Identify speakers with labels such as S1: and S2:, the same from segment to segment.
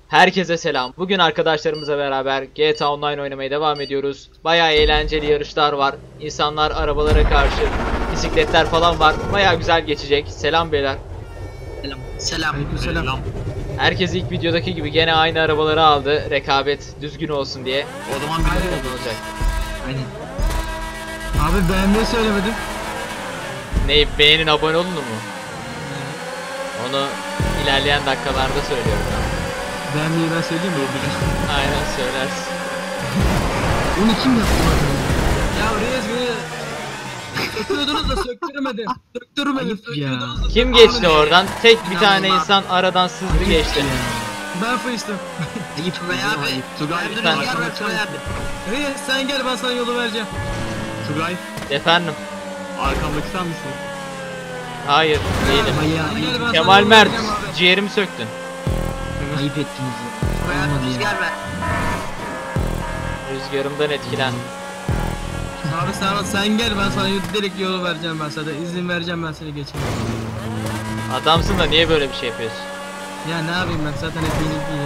S1: Herkese selam. Bugün arkadaşlarımızla beraber GTA Online oynamaya devam ediyoruz. Bayağı eğlenceli yarışlar var. İnsanlar arabalara karşı, bisikletler falan var. Bayağı güzel geçecek. Selam beyler.
S2: Selam.
S3: Selam.
S1: Herkes ilk videodaki gibi gene aynı arabaları aldı. Rekabet düzgün olsun diye.
S3: O zaman bir
S1: Olacak.
S2: Aynen.
S3: Abi beğenmeyi söylemedim.
S1: Ne, beğenin, abone olun mu? Onu ilerleyen dakikalarda söylüyorum ben.
S3: Beğenmeyi ben söyleyeyim mi?
S1: Aynen söylersin.
S3: Onu kim yaptı bakalım? Ya Reis beni söktürdünüz da söktüremedim. Söktürmedim. Söktürdünüz da
S1: Kim geçti oradan? Tek bir tane insan aradan sızdı geçti.
S3: Ben fıştım.
S2: Ayıp Tugay abi.
S3: Tugay,
S1: Ben-
S2: Tugay abi.
S3: Reis sen gel ben sana yolu vereceğim.
S4: Tugay,
S1: Efendim?
S4: arkamdaki sen misin?
S1: Hayır, değilim.
S3: Sen gel, ben sana
S1: Kemal
S3: yolu
S1: Mert,
S3: vereceğim abi.
S1: ciğerimi söktün.
S2: Ayıp ettiniz ya. Tugay abi rüzgar ver.
S1: Rüzgarımdan etkilen.
S3: Abi sen gel ben sana direkt yolu vereceğim ben sana. İzin vereceğim ben seni geçeyim.
S1: Adamsın da niye böyle bir şey yapıyorsun?
S3: Ya ne yapayım ben zaten hep yeni.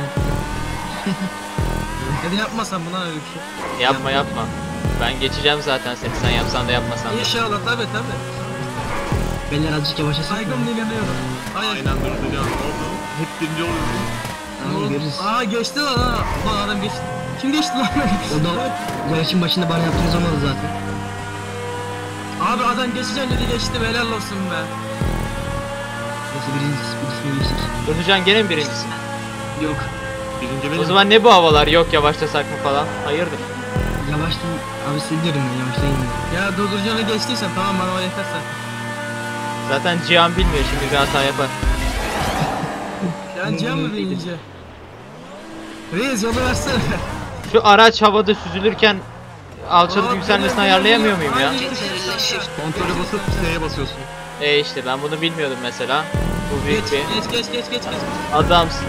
S3: Hadi yapmasam buna öyle bir şey.
S1: Yapma yapma. Ben geçeceğim zaten seni, sen yapsan da yapmasan da.
S3: İnşallah tabi.
S2: Beyler azıcık yavaşlasın.
S3: Saygım dinleniyorum.
S4: Aynen duracağım. Oldu. Hep birinci oluyoruz.
S2: Tamam görürüz.
S3: Aa geçti lan ha. Lan adam geçti. Kim geçti lan?
S2: O da yarışın başında bana yaptığınız olmadı zaten.
S3: Abi adam geçeceğim dedi geçti helal olsun be.
S2: Neyse birisine geçtik.
S1: Durducan gene mi birincisin?
S2: Yok.
S4: Birinci benim.
S1: O zaman ne bu havalar, yok yavaşlasak mı falan? Hayırdır?
S2: Yavaştım. Abi size diyorum ben yavaşlayın.
S3: Ya durduracağını geçtiysen tamam bana o yeter sen.
S1: Zaten Cihan bilmiyor, şimdi bir hata yapar.
S3: Ya Cihan mı birinci? Reis yolu versene.
S1: Şu araç havada süzülürken alçalıp yükselmesini ayarlayamıyor muyum ya?
S4: Kontrolü basıp S'ye basıyorsun.
S1: İşte ben bunu bilmiyordum mesela. Bu büyük bir
S3: Geç.
S1: adamsın.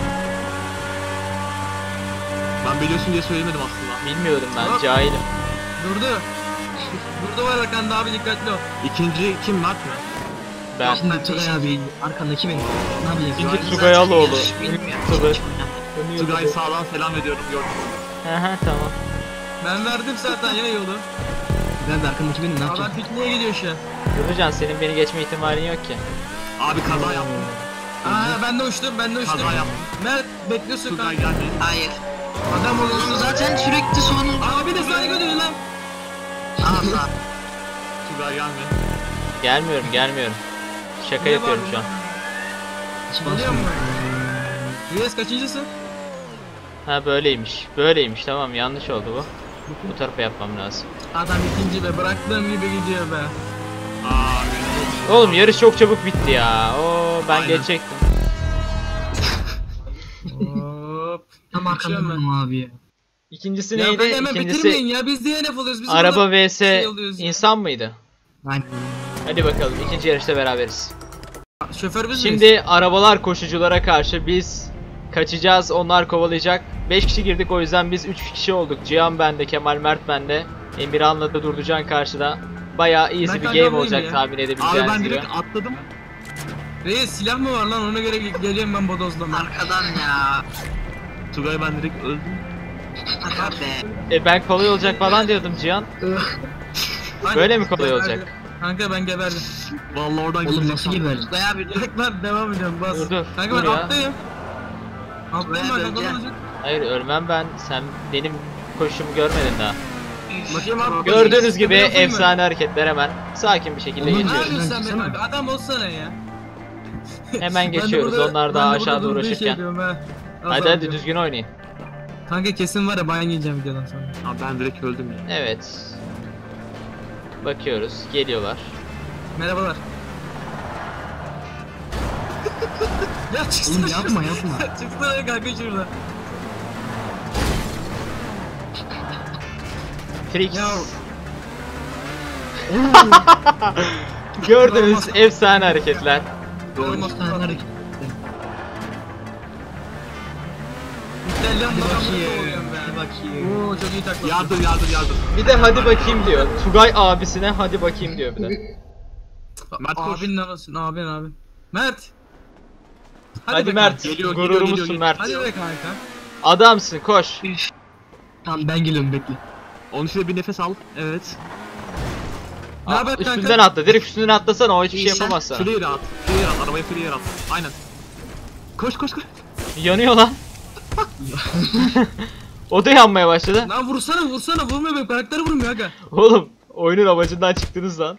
S4: Ben biliyorsun diye söylemedim aslında.
S1: Bilmiyordum ben,
S3: Hop.
S1: cahilim.
S3: Durdu. Durdu var arkanda abi dikkatli ol.
S4: İkinci kim, Mert mi?
S1: Ben.
S2: Şimdi Tugay abi arkandaki benim. Ne yapacağız?
S1: İkinci Tugay Aloğlu.
S2: Bilmiyorum.
S4: Tugay sağdan selam ediyorum, gördüm.
S1: Aha tamam.
S3: Ben verdim zaten ya yolu.
S2: Ben de arkandaki benim ne
S3: Adam
S2: yapacağız?
S3: pikniğe gidiyor şu an.
S1: Durducan, senin beni geçme ihtimalin yok ki.
S4: Abi kaza yaptım.
S3: Aa ben de uçtum.
S4: Kaza yaptım.
S3: Mert bekliyorsun
S4: Tugay
S3: kanka.
S4: geldi.
S2: Hayır.
S3: Adam olursun
S2: Zaten sürekli sonunda.
S3: Abi de saygı duyun lan.
S2: Allah.
S4: Tugay gelme.
S1: Gelmiyorum. Şaka
S3: Niye
S1: yapıyorum
S3: bağırdın
S1: şu an.
S3: lan?
S2: Hiç
S3: Biliyor
S2: basmıyor.
S3: musun? Reis kaçıncısın?
S1: Ha böyleymiş tamam, yanlış oldu bu. Bu tarafa yapmam lazım.
S3: Adam ikinci be bıraktığım gibi gidiyor be.
S4: Aa, benim
S1: Oğlum yarış çok çabuk bitti ya. Oo ben
S4: Aynen.
S1: geçecektim.
S3: Hop.
S2: Tam arkanda benim abi ya.
S1: İkincisi
S3: Ya
S1: neydi?
S3: böyle hemen bitirmeyin
S1: İkincisi
S3: ya biz DNF oluyoruz. Biz
S1: araba
S3: burada
S1: vs
S3: şey oluyoruz ya.
S1: insan mıydı?
S2: Aynen.
S1: Hadi bakalım, ikinci yarışta beraberiz.
S3: Şoför biz miyiz?
S1: Şimdi arabalar koşuculara karşı biz kaçacağız, onlar kovalayacak. 5 kişi girdik, o yüzden biz 3 kişi olduk. Cihan bende, Kemal Mert bende. Emirhan'la da Durducan karşıda. Bayağı easy
S3: Ben
S1: bir
S3: kanka
S1: game
S3: buyum
S1: olacak
S3: ya.
S1: tahmin
S4: Abi
S1: edebileceğiniz
S4: ben
S1: gibi.
S4: direkt atladım.
S3: Reis silah mı var lan ona göre geliyorum ben bodozlama.
S2: Arkadan ya.
S4: Tugay ben direkt öldüm.
S2: Aga be.
S1: Ben kolay olacak falan diyordum Cihan. Böyle mi kolay olacak?
S3: Kanka ben geberdim.
S4: Vallahi oradan
S2: Oğlum
S4: gidecek
S2: nasıl
S4: sandım.
S2: geberdi?
S3: Tugay abi dur lan devam ediyorum bas.
S1: Dur,
S3: Kanka
S1: dur
S3: ben
S1: ya.
S3: alttayım. Alttayım ben kanka olacak.
S1: Hayır, ölmem ben. Sen benim koşumu görmedin daha.
S3: Bakayım abi.
S1: Gördüğünüz gibi
S3: Yapayım mı?
S1: efsane hareketler, hemen sakin bir şekilde
S2: Oğlum,
S3: Ne
S1: geçiyoruz.
S3: yapıyorsun sen be
S2: Baksana.
S3: kanka adam olsana ya.
S1: Hemen
S3: Ben de
S1: geçiyoruz,
S3: burada-
S1: onlar daha
S3: ben de burada
S1: aşağıda
S3: durduğu şey
S1: uğraşırken.
S3: diyorum ha. Az
S1: Hadi
S3: daha
S1: hadi
S3: diyorum.
S1: düzgün oynayın.
S3: Kanka kesin var ya ban yiyeceğim videodan sonra.
S4: Abi ben direkt öldüm ya.
S1: Evet. Bakıyoruz, geliyorlar.
S3: Merhabalar. Ya çıksana.
S2: Oğlum yapma.
S3: Çıksana kanka şurada.
S1: Trix.
S3: Ya
S1: Gördünüz, efsane hareketler.
S3: olmaz.
S2: Sen hareket.
S3: İtalyan
S2: Hadi
S3: babamla
S2: bakayım.
S3: oluyorum be.
S2: Hadi bakayım.
S3: Oo çok iyi takla.
S4: Yardım.
S1: Bir de hadi bakayım diyor. Tugay abisine hadi bakayım diyor bir de.
S4: Mert koş.
S3: Abinin anasın abin. Mert.
S1: Hadi
S3: be
S1: Mert,
S3: kanka.
S4: Geliyor,
S1: gururumuzsun
S4: geliyor.
S1: Mert.
S3: Hadi be kanka.
S1: Adamsın, koş.
S2: Tamam ben geliyorum bekle.
S4: Onun için de bir nefes al. Evet.
S3: Ne haber kanka?
S1: Üstünden atla, direkt üstünden atlasana, o hiçbir şey
S2: İyi, sen
S1: yapamaz sana.
S4: Clear at. Clear at. Arabaya clear at. Aynen. Koş koş koş.
S1: Yanıyor lan. O da yanmaya başladı.
S3: Lan vursana vurmuyor benim karakteri vurmuyor aga.
S1: Oğlum, oyunun amacından çıktınız lan.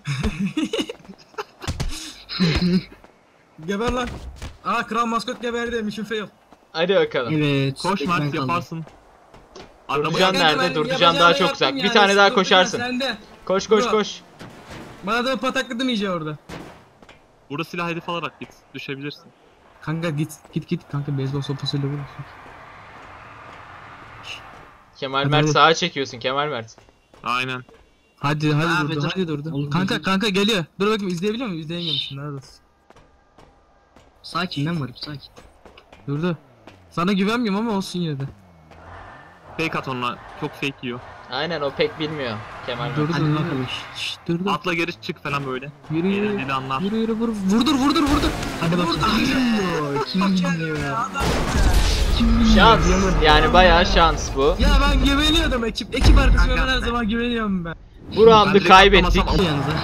S3: Geber lan. Aa kral maskot geberdi mission fail.
S1: Hadi bakalım.
S2: Evet.
S4: Koş
S2: tek ben
S4: Mert
S2: kaldım.
S4: yaparsın.
S1: Durducan
S3: Kanka,
S1: nerede?
S3: ben
S1: Durducan
S3: yapacağımı
S1: daha çok
S3: yaptım
S1: uzak. Bir
S3: yani,
S1: tane daha
S3: Durducan
S1: koşarsın.
S3: sende.
S1: Koş koş
S3: Bro.
S1: koş.
S3: Bana da patakladım iyice orada.
S4: Burada silah hedef alarak git. Düşebilirsin.
S3: Kanka git kanka beyzbol sopasıyla vurursun.
S1: Kemal
S3: Hadi,
S1: Mert
S3: hadi.
S1: sağa çekiyorsun Kemal Mert.
S4: Aynen.
S3: Hadi
S2: Abi,
S3: durdu
S2: dur.
S3: hadi durdu.
S2: Oğlum,
S3: Kanka
S2: dur.
S3: kanka geliyor. Dur bakayım izleyebiliyor muyum? İzleyemiyorum neredesin?
S2: Sakin ben varım sakin.
S3: Durdu. Sana güvenmiyorum ama olsun yine de.
S4: Fake at onunla. Çok fake yiyor.
S1: Aynen, o pek bilmiyor Kemal Mert.
S3: Durdu
S2: Hadi
S3: durdu.
S2: bakalım.
S3: Şşş durdu.
S4: Atla geri çık falan böyle.
S3: Yürü yürü.
S4: Eğlenceli anlar.
S3: Yürü vur. Vurdur.
S2: Hadi bakayım. Kim bilmiyor ya? Kim bilmiyor?
S1: Şans. Yani bayağı şans bu.
S3: Ya ben güveniyordum ekip arkadaşıma ben her
S4: Kanka.
S3: zaman güveniyorum ben.
S1: Bu
S4: Ben
S1: roundu
S4: direkt
S1: kaybettik.
S4: atlamasam
S2: Yalnız ha.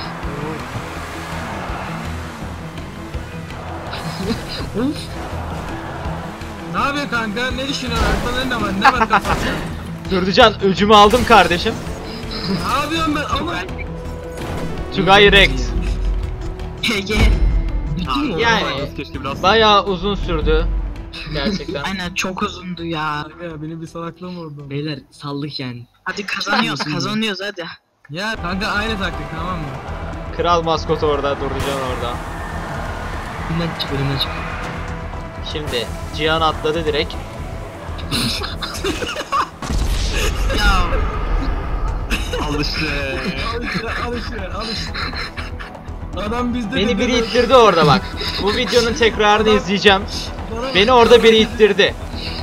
S2: Of.
S3: Ne yapıyor kanka? Ne düşünüyorsun? Aklında ne var? Ne var kafanda?
S1: Durducan, öcümü aldım kardeşim.
S3: Ne yapıyorum ben? Ama
S1: Tugay Rekt.
S2: GG. Bitti mi?
S1: Yani-
S4: Keşke biraz.
S1: Bayağı uzun sürdü. Gerçekten.
S2: Aynen çok uzundu ya.
S3: ya benim bir salaklığım oldu.
S2: Beyler saldık yani.
S5: Hadi kazanıyoruz hadi.
S3: Ya kanka aynı taktik tamam mı?
S1: Kral maskot orada, Durducan orada.
S2: Önümden çık önümden çık.
S1: Şimdi Cihan atladı direkt.
S5: Ya
S4: Al işte.
S3: Al işte. Adam bizde
S1: Beni
S3: de
S1: biri
S3: böyle-
S1: ittirdi orada bak. Bu videonun tekrarını izleyeceğim.
S3: Bana-
S1: Beni orada biri ittirdi.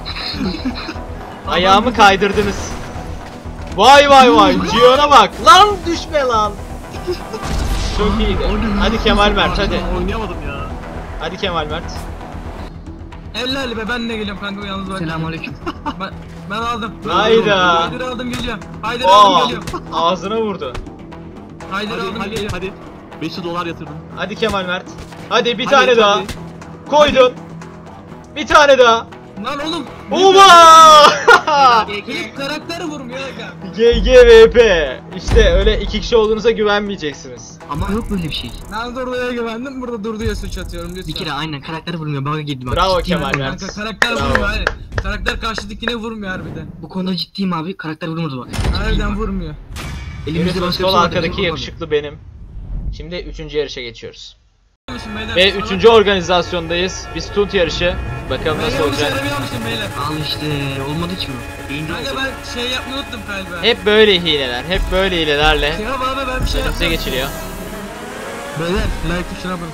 S1: Ayağımı kaydırdınız. Vay vay vay, Cihan'a bak. Lan düşme lan. Çok iyiydi. Hadi Kemal Mert hadi.
S4: Oynayamadım ya.
S1: Hadi Kemal Mert.
S3: 50 be ben de geliyorum kanka yalnız bak.
S2: Selamünaleyküm.
S3: Ben aldım.
S1: Hayda.
S3: Haydi aldım geliyorum. Haydi
S1: Aa,
S3: aldım geliyorum.
S1: ağzına vurdu.
S3: Haydi
S4: Hadi
S3: aldım
S4: hadi
S3: geliyorum.
S4: hadi. 500 dolar yatırdım.
S1: Hadi Kemal Mert. Hadi bir
S4: Hadi,
S1: tane daha.
S4: hadi.
S1: Koydun. Bir tane daha.
S3: Lan oğlum.
S1: Oba!
S3: Benim karakter vurmuyor aga.
S1: GGVP. İşte öyle iki kişi olduğunuza güvenmeyeceksiniz.
S2: Ama yok böyle bir şey.
S3: Ben Durdu'ya güvendim burada Durdu'ya suç atıyorum lütfen.
S2: Bir kere aynen karakter vurmuyor. Bug'a girdi bak.
S1: Bravo
S2: Ciddiyim
S1: Kemal
S2: abi.
S1: Mert.
S3: Kanka karakter
S1: Bravo.
S3: vurmuyor hayır. Karakter karşıdakine vurmuyor harbiden.
S2: Bu konuda ciddiyim abi. Karakter vurmadı bak.
S3: Harbiden vurmuyor.
S2: Elimizde
S1: Yunus
S2: başka
S1: sol
S2: bir şey var,
S1: arkadaki
S2: vurmadı.
S1: yakışıklı benim. Şimdi 3. yarışa geçiyoruz.
S3: Beyler,
S1: Ve
S3: sana-
S1: 3. organizasyondayız. Bir stunt yarışı. Bakalım
S3: Ben
S1: nasıl
S3: yanlış
S1: olacak.
S3: arabayı almışım beyler.
S2: Al işte olmadı ki bu.
S4: Birinci
S3: Kanka
S4: oldu.
S3: ben şey yapmayı unuttum galiba.
S1: Hep böyle hileler. Hep böyle hilelerle
S3: Ya abi ben bir şey
S1: önümüze
S3: yaptım.
S1: geçiliyor.
S3: Beyler like tuşuna basın.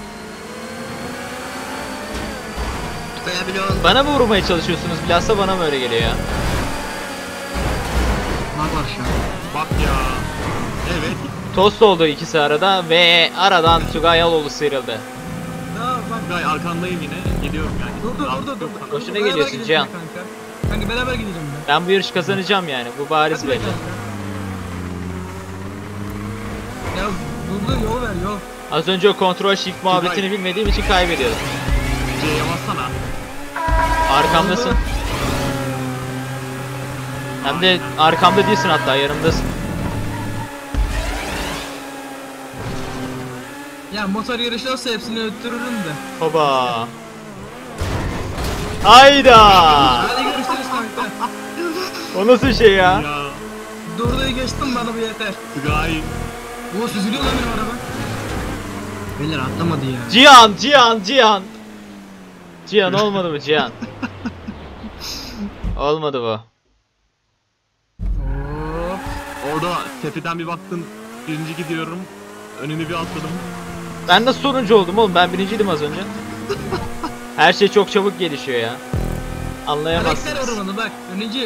S5: koyabiliyor.
S1: Bana mı vurmaya çalışıyorsunuz? Bilhassa bana mı öyle geliyor ya?
S2: Bak var şu an.
S4: Bak ya. Evet.
S1: Tost oldu ikisi arada ve aradan Tugay Yaloğlu sıyrıldı.
S3: Ya bak.
S4: Gay arkandayım yine. Geliyorum yani.
S3: Dur.
S1: Boşuna
S3: Beraber
S1: geliyorsun
S3: gidelim
S1: Cihan.
S3: Kanka. Kanka beraber gidelim ben.
S1: Ben bu yarışı kazanacağım yani. Bu bariz
S3: Hadi be
S1: belli.
S3: kanka. Ya Durdu yol ver yol.
S1: Az önce o kontrol shift muhabbetini bilmediğim için kaybediyordum.
S4: C'ye bassana.
S1: Arkamdasın. Hem de arkamda değilsin, hatta yanımdasın.
S3: Ya motor yarışı olsa hepsini öttürürüm de.
S1: Hoba. Hayda.
S3: Hadi görüşürüz kanka.
S1: O nasıl şey ya?
S4: Ya.
S3: Durdu'yu geçtim bana bu yeter.
S4: Gay.
S3: Oo süzülüyor lan benim araba.
S2: Beyler atlamadı ya.
S1: Cihan. Cihan olmadı mı Cihan? Olmadı bu.
S3: Hop.
S4: Orada tepeden bir baktın. Birinci gidiyorum. Önünü bir atladım.
S1: Ben nasıl sonuncu oldum oğlum? Ben birinciydim az önce. Her şey çok çabuk gelişiyor ya.
S3: Karakter
S1: Anlayamazsınız.
S3: vurmadı bak.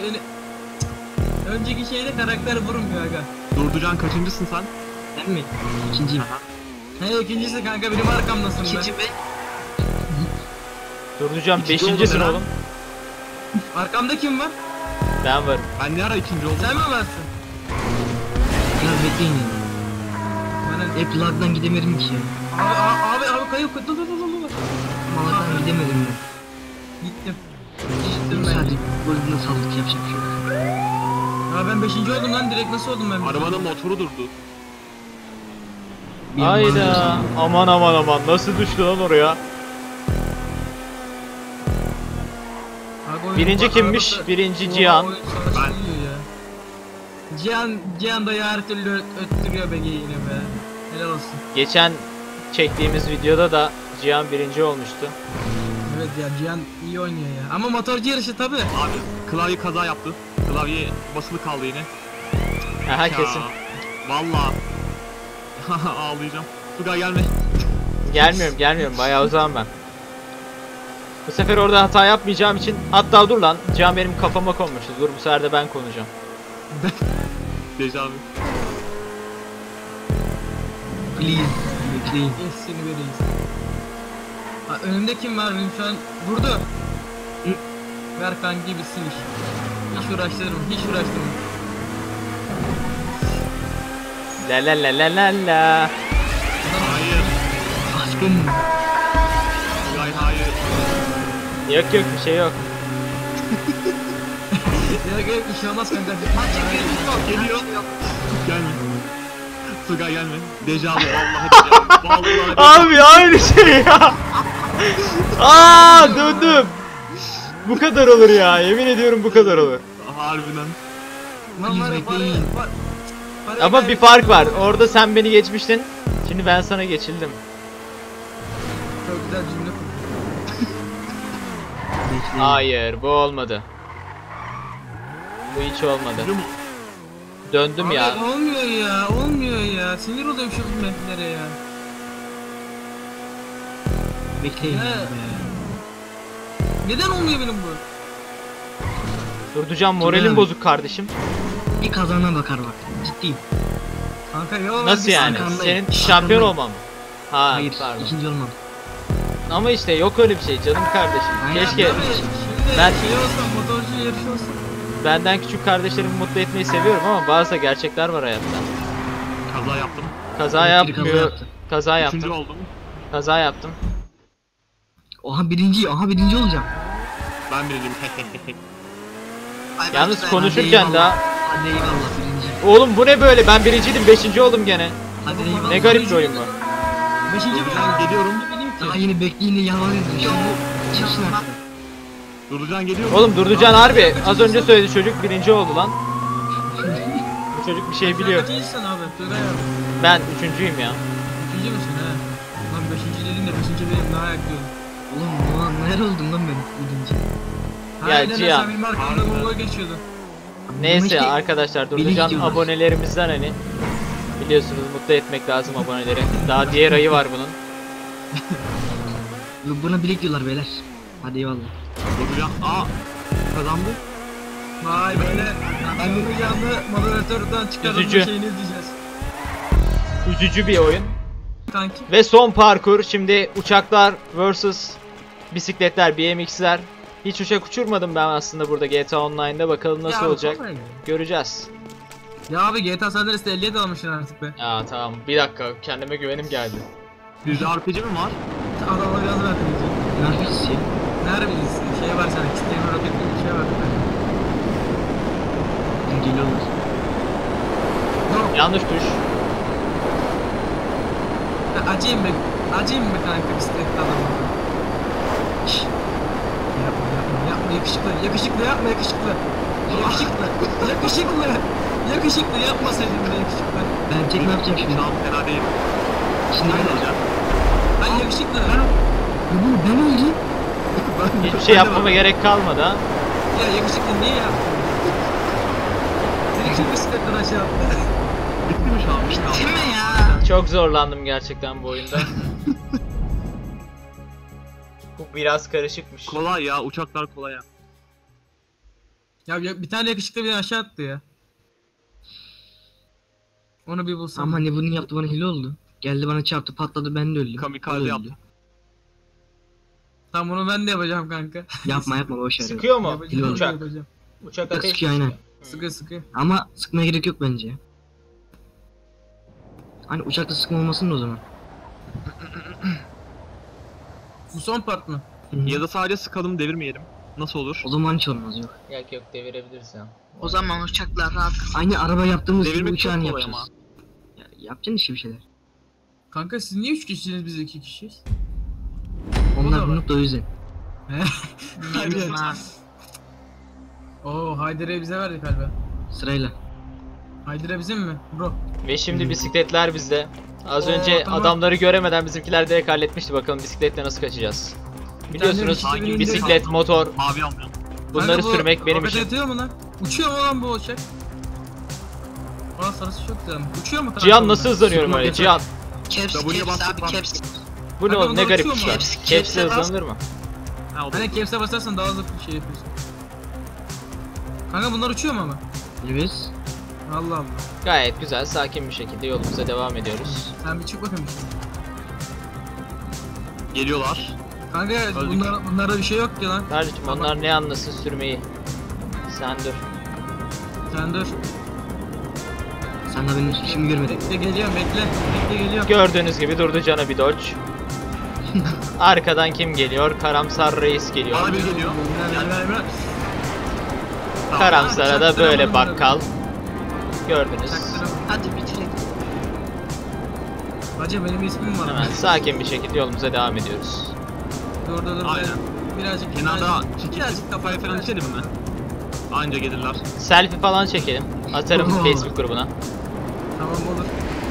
S3: Önceki şeyde karakter vurmuyor aga.
S4: Durducan kaçıncısın sen?
S2: Ben mi? İkinciyim.
S3: He ikincisi kanka benim arkamdasın be.
S5: İkinci be.
S1: Durducan
S4: İkinci
S1: 5.'sin
S4: oldun
S1: oğlum.
S3: Arkamda kim var?
S1: Ben varım.
S4: Ben ne ara ikinci oldum?
S3: Sen mi varsın?
S2: Biraz bekleyin ya.
S3: Bana...
S2: Hep lagdan gidemedim ki ya.
S3: Abi kayıp. Dur.
S2: Lagdan gidemedim ben.
S3: Gittim ben.
S2: Sadece golüne saldık yapacak bir şey yok.
S3: Ya ben 5. oldum lan, direkt nasıl oldum ben?
S4: Arabanın motoru durdu.
S2: Bir an
S1: Hayda. Aman nasıl düştü lan oraya?
S3: Abi oyun-
S1: Birinci kimmiş?
S3: arabası-
S1: Birinci
S3: Oo,
S1: Cihan.
S3: oyun savaşı gidiyor ya. Cihan da ya her türlü öttürüyor be yine be. Helal olsun.
S1: Geçen çektiğimiz videoda da Cihan birinci olmuştu.
S3: Evet ya, Cihan iyi oynuyor ya. Ama motorcu yarışı tabi.
S4: Abi klavye kaza yaptı. Klavye basılı kaldı yine.
S1: Aha
S4: Ya,
S1: kesin.
S4: Vallahi. Ağlayacağım. Tugay gelme.
S1: Gelmiyorum bayağı uzağım ben. Bu sefer orada hata yapmayacağım için, hatta dur lan, Cihan benim kafama konmuştu. Dur bu sefer de ben konacağım.
S4: Dejavu.
S2: Please. Bekleyin.
S3: Seni veririz. Ha, önümde kim var benim şu an? Vurdu. Ver kanki bitsin iş. Hiç uğraştırma.
S1: La.
S4: Hayır.
S2: Aşkım.
S4: Tugay hayır.
S1: Yok bir şey yok.
S3: Ya bir şey olmaz kanka.
S4: Geliyor. Gelme. Tugay gelme. Dejavu vallahi dejavu. Vallahi dejavu.
S1: Abi aynı şey ya. Döndüm. Bu kadar olur ya, yemin ediyorum bu kadar olur.
S4: Harbiden.
S3: Lan var ya,
S2: bekleyin.
S3: para
S1: Ama bir fark var. Orada sen beni geçmiştin. Şimdi ben sana geçildim.
S3: Çok güzel cümle kurdun.
S2: Bekleyin.
S1: Hayır, bu olmadı. Bu hiç olmadı.
S4: Biliyor musun?
S1: Döndüm
S3: Abi
S1: ya.
S3: olmuyor ya. Sinir oluyorum şu metlere ya.
S2: Bekleyin.
S3: He. Neden olmuyor benim bu?
S1: Durducan, moralim
S2: Tugay.
S1: bozuk kardeşim.
S2: Bir kazana bakar bak. Ciddiyim.
S3: Kanka yok.
S1: Nasıl yani?
S2: arkandayım.
S1: Senin
S2: Arkandayım.
S1: şampiyon olmam mı? Ha,
S2: Hayır.
S1: pardon.
S2: İkinci olmam.
S1: Ama işte yok öyle bir şey canım kardeşim.
S2: Aynen.
S1: Keşke
S3: Şimdi
S1: Ben-
S3: şey olsa, motorcu yarışı olsa.
S1: benden küçük kardeşlerimi mutlu etmeyi seviyorum ama bazı da gerçekler var hayatta.
S4: Kaza yaptım.
S1: Kaza
S2: Biri
S1: yapmıyor.
S2: yaptı.
S1: Kaza
S4: Üçüncü
S1: yaptım.
S4: oldum.
S1: Kaza yaptım.
S2: Oha birinci olacağım.
S4: Ben birinciyim.
S1: Yalnız konuşurken daha
S2: Hadi eyvallah birinci.
S1: oğlum bu ne böyle? Ben birinciydim, 5. oldum gene.
S2: Hadi eyvallah.
S1: Ne garip bir oyun bu.
S3: 5.
S4: Durducan geliyorum.
S2: Daha yeni bekleyin yalan ediyor. Şimdi çıksın artık.
S4: Durducan geliyorum.
S1: Oğlum Durducan harbi az önce söyledi, çocuk 1. oldu lan. Bu çocuk bir şey biliyor.
S3: Kaçıncısın abi? Tugay abi.
S1: Ben 3.'üyüm ya.
S3: 3. müsün he? Lan 5. dedin de 5. benim daha yakıyorum.
S2: Oğlum neler oldum lan ben birinci.
S1: Ya Cihan.
S3: Sen benim arkamda Google geçiyordun.
S1: Neyse
S2: Bununki-
S1: arkadaşlar,
S2: Beni
S1: Durducan
S2: gidiyorlar.
S1: abonelerimizden, hani biliyorsunuz mutlu etmek lazım aboneleri. Daha diğer ayı var bunun.
S2: Buna bilek diyorlar beyler. Hadi eyvallah.
S4: Durducan. Kazandı.
S3: Vay böyle. Ben bunu yandı moderatörden çıkardım
S1: Üzücü.
S3: şeyini izleyeceğiz.
S1: Üzücü bir oyun.
S3: Kanki.
S1: Ve son parkur, şimdi uçaklar vs bisikletler, BMX'ler. Hiç uçak uçurmadım ben aslında burada GTA Online'da, bakalım nasıl
S3: Ya,
S1: olacak.
S3: vallahi.
S1: Göreceğiz.
S3: Ya abi GTA San Andreas'te 50'ye de almışsın artık be.
S1: Ya tamam, bir dakika, kendime güvenim geldi.
S4: Bizde RPG mi var?
S3: Adamla gaz verdim diyeceğim.
S2: Ne yapıyorsun ya?
S3: Nerede bilirsin? Şey var sana, kitleyen roket gibi bir şey var.
S2: Geliyorlar.
S3: Yok.
S1: Yanlış tuş.
S3: Acıyım be. Acıyım be kanka bisikletli adamla. Şşş. Yapma yakışıklı yapma yakışıklı. Yakışıklı yapmasaydın be yakışıklı.
S2: Ben tek ne yapacağım şimdi?
S4: Şu an fena değil.
S2: Şimdi
S4: Ben
S2: ben
S4: olacağım.
S3: Ay yakışıklı.
S2: Ben öldüm.
S1: Hiçbir şey yapmama gerek kalmadı ha.
S3: Ya yakışıklı niye yaptın? Seni kim bisikletten aşağı attı?
S4: Bitti mi şu an? Bitti
S5: Bitti
S4: mi?
S5: mi ya?
S1: Çok zorlandım gerçekten bu oyunda. Bu biraz karışıkmış.
S4: Kolay ya. Uçaklar kolay ya.
S3: Ya bir tane yakışıklı beni aşağı attı ya. Onu bir bulsam.
S2: Ama hani bunu yaptı bana hile oldu. Geldi bana çarptı patladı ben de öldüm.
S4: Kamikaze
S2: O da
S4: yaptı.
S2: öldü.
S3: Tamam onu ben de yapacağım kanka.
S2: Yapma yapma boş ver.
S1: Sıkıyor mu?
S3: Yapacağım,
S1: Uçak.
S3: yapacağım.
S1: Uçak ateş.
S2: Sıkıyor aynen.
S3: Sıkı sıkı.
S2: Ama sıkmaya gerek yok bence. Hani uçakta sıkma olmasın da o zaman.
S3: Bu son part mı?
S2: Hı hı.
S4: Ya da sadece sıkalım devirmeyelim. Nasıl olur?
S2: O zaman hiç olmaz yok.
S1: Yok yok devirebiliriz ya.
S5: O zaman uçaklar rahat.
S2: Aynı araba yaptığımız gibi
S4: Devirmek çok
S2: uçağını
S4: kolay
S2: yapacağız. Ya, yapacaksın işte bir şeyler.
S3: Kanka siz niye 3 kişisiniz biz 2 kişiyiz?
S2: Onlar
S3: da var.
S2: bunu da o yüzden.
S5: Bilmiyorum abi.
S3: Oo Haydar'ı bize verdi galiba.
S2: Sırayla.
S3: Haydar'ı bizim mi? Bro.
S1: Ve şimdi bisikletler bizde. Az
S3: Oo,
S1: önce
S3: tamam.
S1: adamları göremeden bizimkiler direkt halletmişti. Bakalım bisikletle nasıl kaçacağız. Biliyorsunuz
S3: tane
S4: bisiklet
S1: bisiklet, motor
S4: Mavi almıyorum.
S1: bunları
S3: Kanka bu
S1: sürmek benim
S3: roket
S1: işim.
S3: atıyor mu lan? Uçuyor mu lan bu uçak? Aa sarısı çok güzel. Uçuyor mu kanka?
S1: Cihan
S3: bunlar?
S1: nasıl hızlanıyorum
S2: Sıkma
S1: öyle
S2: yeter.
S1: Cihan?
S5: Caps,
S4: W'ye
S5: caps
S4: bastık
S5: abi
S4: bak.
S5: caps.
S1: Bu ne
S3: Kanka
S1: oğlum ne
S3: bunlar
S1: garip
S3: uçuyor mu?
S1: uçlar.
S5: Caps,
S1: Caps'le
S5: caps'e bas.
S1: hızlanılır mı?
S4: Ha, o da-
S3: Hani caps'e basarsan daha hızlı bir şey yapıyorsun. Kanka bunlar uçuyor mu ama?
S2: Evet.
S3: Allah Allah.
S1: Gayet güzel sakin bir şekilde yolumuza devam ediyoruz.
S3: Sen bir çık bakayım.
S4: Geliyorlar.
S3: Kanka
S4: Öldük.
S3: bunlarda bir şey yok ki lan.
S1: Kardeşim onlar ne anlasın sürmeyi. Sen dur.
S3: Sen dur.
S2: Sen de benim işimi görmedin.
S3: Bekle geliyorum bekle. Bekle geliyorum.
S1: Gördüğünüz gibi durdu cana bir dodge. Arkadan kim geliyor? Karamsar reis geliyor.
S4: Bana bir geliyor.
S3: Ver.
S4: Tamam.
S1: Karamsar'a da
S3: Çaktırma
S1: böyle
S3: bunları.
S1: bakkal. Gördünüz.
S3: Çaktırma.
S5: Hadi bitirelim.
S3: Hacı benim ismim var.
S1: Hemen sakin bir şekilde yolumuza devam ediyoruz.
S3: Dur.
S4: Aynen.
S3: Birazcık.
S4: Kenarda
S3: birazcık
S4: kafaya falan içelim mi? Anca gelirler.
S1: Selfie falan çekelim. Atarım
S2: Oo.
S1: Facebook grubuna.
S3: Tamam olur.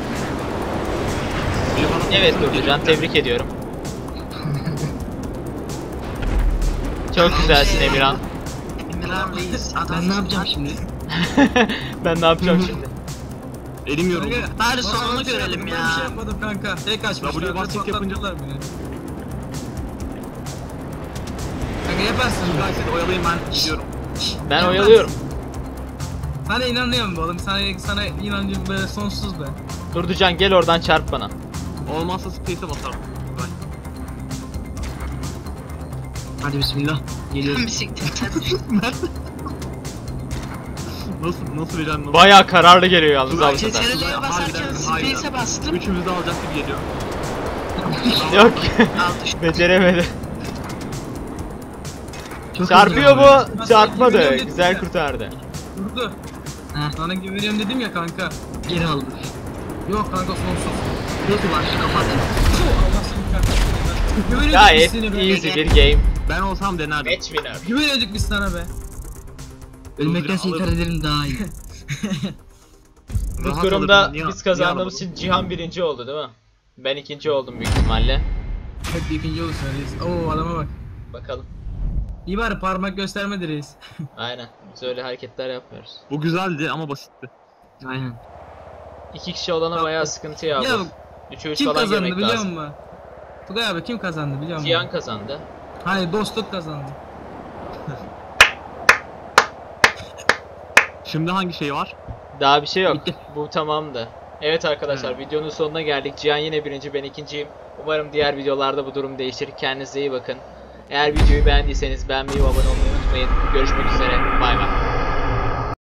S4: Biri bana-
S1: Evet Durducan tebrik ediyorum. Çok güzelsin Emirhan.
S5: Emirhan Reis. Adam.
S2: Ben ne yapacağım şimdi?
S1: Ben ne yapacağım şimdi?
S4: Elim yoruldu.
S5: Bari sonunu görelim
S3: Ben
S5: ya.
S3: bir şey yapmadım kanka. Tek açmışlar.
S4: W basket yapınca-
S3: patlattılar beni. Kanka yaparsın.
S4: Ben sizi oyalayayım, ben gidiyorum.
S1: Ben oyalıyorum.
S3: Sana inanıyorum be oğlum. Sana inancım böyle sonsuz be.
S1: Durducan gel oradan çarp bana.
S4: Olmazsa space'e basarım. Ben.
S2: Hadi bismillah. Geliyorum.
S5: Bisikletten.
S4: Nasıl vereceğim? Nasıl?
S1: Bayağı kararlı geliyor yalnız
S4: Dur,
S1: abi bu sefer.
S5: CTRL'ye basarken
S4: Harbiden.
S5: space'e bastım.
S4: Üçümüz de alacak gibi geliyor.
S1: Yok.
S5: Aldı şu.
S1: Beceremedi.
S2: Çok
S1: Çarpıyor
S2: hızlı.
S1: bu. Çarpmadı.
S3: Güveniyorum
S1: Güzel
S3: dedim ya.
S1: kurtardı.
S3: Durdu.
S2: Ha,
S3: Sana güveniyorum dedim ya kanka.
S2: geri aldım.
S3: Yok kanka sonsuz.
S2: Nasıl var şu kapat.
S3: Allah seni kahretsin. Güveniyorduk biz
S1: Gayet
S3: seni be.
S1: easy bir game.
S4: Ben olsam denerdim.
S1: Match winner.
S3: Güveniyorduk biz sana be.
S2: Ölmektense intihar ederim daha iyi.
S1: Bu
S4: Rahat
S1: durumda
S4: alırdım, niye-
S1: biz kazandığımız
S4: niye
S1: için Cihan birinci oldu değil mi? Ben ikinci oldum büyük ihtimalle.
S3: Hep ikinci olursun reis. Oo adama bak.
S1: Bakalım.
S3: İyi bari parmak göstermedi reis.
S1: Aynen. Biz öyle hareketler yapmıyoruz.
S4: Bu güzeldi ama basitti.
S2: Aynen.
S1: İki kişi olana bayağı sıkıntı ya
S3: Ya
S1: bu. 3'e 3
S3: kim
S1: falan
S3: kazandı
S1: girmek
S3: biliyor
S1: lazım.
S3: musun? Tugay abi kim kazandı biliyor musun?
S1: Cihan kazandı.
S3: Hayır dostluk kazandı.
S4: Şimdi hangi şey var?
S1: Daha bir şey yok.
S2: Bitti.
S1: Bu tamamdı. Evet arkadaşlar videonun sonuna geldik. Cihan yine birinci, ben ikinciyim. Umarım diğer videolarda bu durum değişir. Kendinize iyi bakın. Eğer videoyu beğendiyseniz beğenmeyi ve abone olmayı unutmayın. Görüşmek üzere. Bay bay.